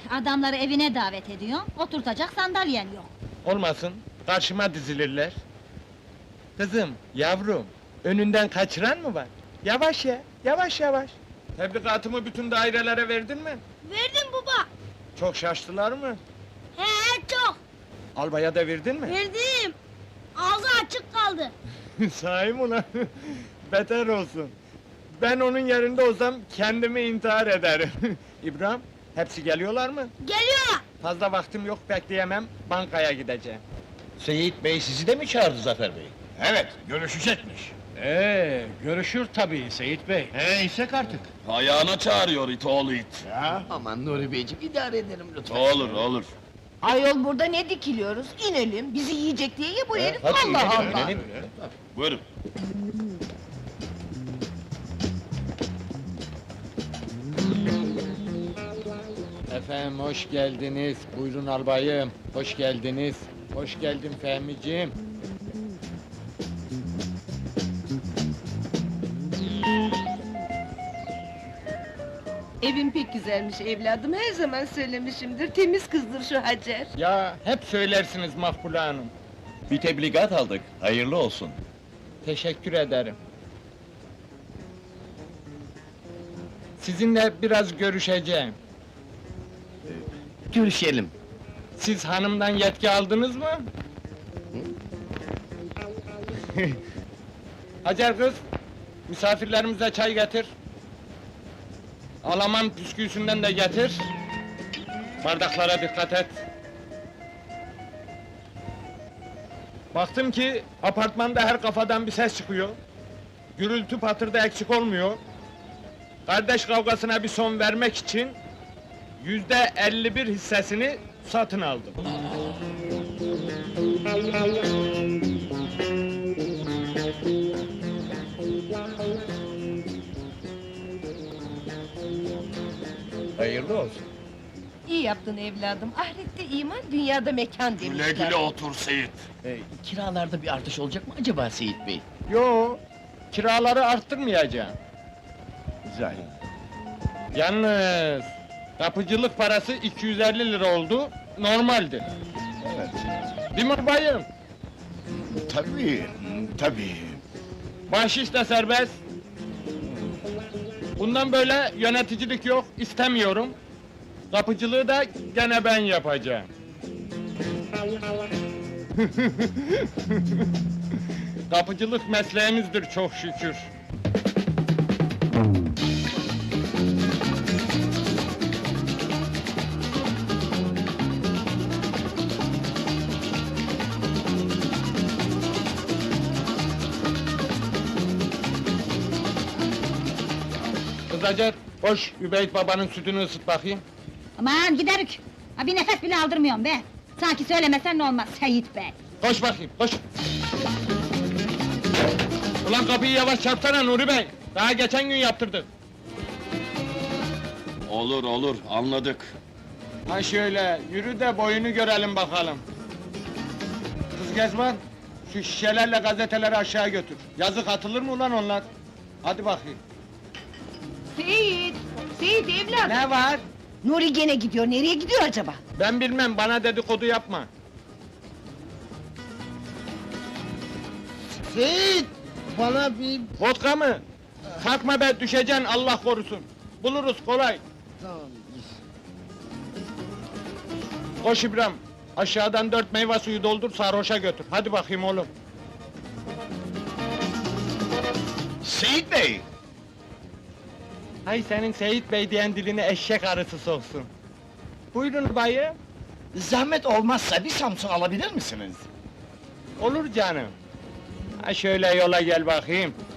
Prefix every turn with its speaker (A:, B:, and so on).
A: Adamları evine davet ediyor, oturtacak sandalyen yok.
B: Olmasın, karşıma dizilirler. Kızım, yavrum, önünden kaçıran mı var? Yavaş ya, yavaş yavaş. Tebligatımı bütün dairelere verdin mi?
C: Verdim baba.
B: Çok şaştılar mı?
C: He çok.
B: Albaya da verdin mi?
C: Verdim. Ağzı açık kaldı.
B: Sahi mi ulan? Beter olsun. Ben onun yerinde olsam kendimi intihar ederim. İbrahim, hepsi geliyorlar mı?
C: Geliyor.
B: Fazla vaktim yok, bekleyemem, bankaya gideceğim.
D: Seyit Bey sizi de mi çağırdı Zafer Bey?
E: Evet, görüşecekmiş.
D: Görüşür tabii Seyit Bey.
E: İsek artık.
F: Ayağına çağırıyor it oğlu it.
E: Ya,
D: Aman Nuri Beyciğim idare ederim lütfen.
F: Olur olur.
G: Ayol burada ne dikiliyoruz? İnelim, bizi yiyecek diye ya bu herif,
D: Hadi
G: Allah
D: inelim,
G: Allah!
D: inelim.
F: Buyurun.
B: Efendim, hoş geldiniz. Buyurun albayım, hoş geldiniz. Hoş geldin Fehmiciğim.
G: Evin pek güzelmiş evladım, her zaman söylemişimdir, temiz kızdır şu Hacer.
B: Ya, hep söylersiniz Makbule Hanım.
F: Bir tebligat aldık. Hayırlı olsun.
B: Teşekkür ederim. Sizinle biraz görüşeceğim.
D: Görüşelim.
B: Siz hanımdan yetki aldınız mı? Hacer kız, misafirlerimize çay getir. Alaman püsküsünden de getir. Bardaklara dikkat et. Baktım ki apartmanda her kafadan bir ses çıkıyor. Gürültü patırda eksik olmuyor. Kardeş kavgasına bir son vermek için %51 hissesini satın aldım.
D: Hayırlı olsun.
G: İyi yaptın evladım, ahirette iman, dünyada mekan demişler.
F: Güle güle otur Seyit.
D: Kiralarda bir artış olacak mı acaba Seyit Bey?
B: Yo, kiraları arttırmayacağım.
D: Güzel.
B: Yalnız kapıcılık parası 250 lira oldu, normaldi.
E: evet.
B: Değil mi bayım?
E: Tabii.
B: Bahşiş de serbest. Bundan böyle yöneticilik yok, istemiyorum. Kapıcılığı da gene ben yapacağım. Kapıcılık mesleğimizdir çok şükür. Kız Hacer, koş Übeyt babanın sütünü ısıt bakayım.
A: Aman giderik! Ha, bir nefes bile aldırmıyorum be! Sanki söylemesen ne olmaz Seyit Bey!
B: Koş bakayım, koş! Ulan kapıyı yavaş çarpsana Nuri Bey! Daha geçen gün yaptırdık.
F: Olur olur anladık.
B: Ha şöyle, yürü de boyunu görelim bakalım. Kız Gezman, şu şişelerle gazeteleri aşağı götür. Yazık atılır mı ulan onlar? Hadi bakayım.
G: Seyit! Seyit evladım!
B: Ne var?
G: Nuri gene gidiyor, nereye gidiyor acaba?
B: Ben bilmem, bana dedikodu yapma.
D: Seyit! Bana bir...
B: Vodka mı? Kalkma be, düşeceksin Allah korusun. Buluruz kolay.
D: Tamam.
B: Koş İbrahim, aşağıdan 4 meyve suyu doldur, sarhoşa götür. Hadi bakayım oğlum.
E: Seyit Bey!
B: Hay senin Seyit Bey diyen diline eşek arısı soksun. Buyurun bayım.
E: Zahmet olmazsa bir Samsun alabilir misiniz?
B: Olur canım. Ha şöyle yola gel bakayım.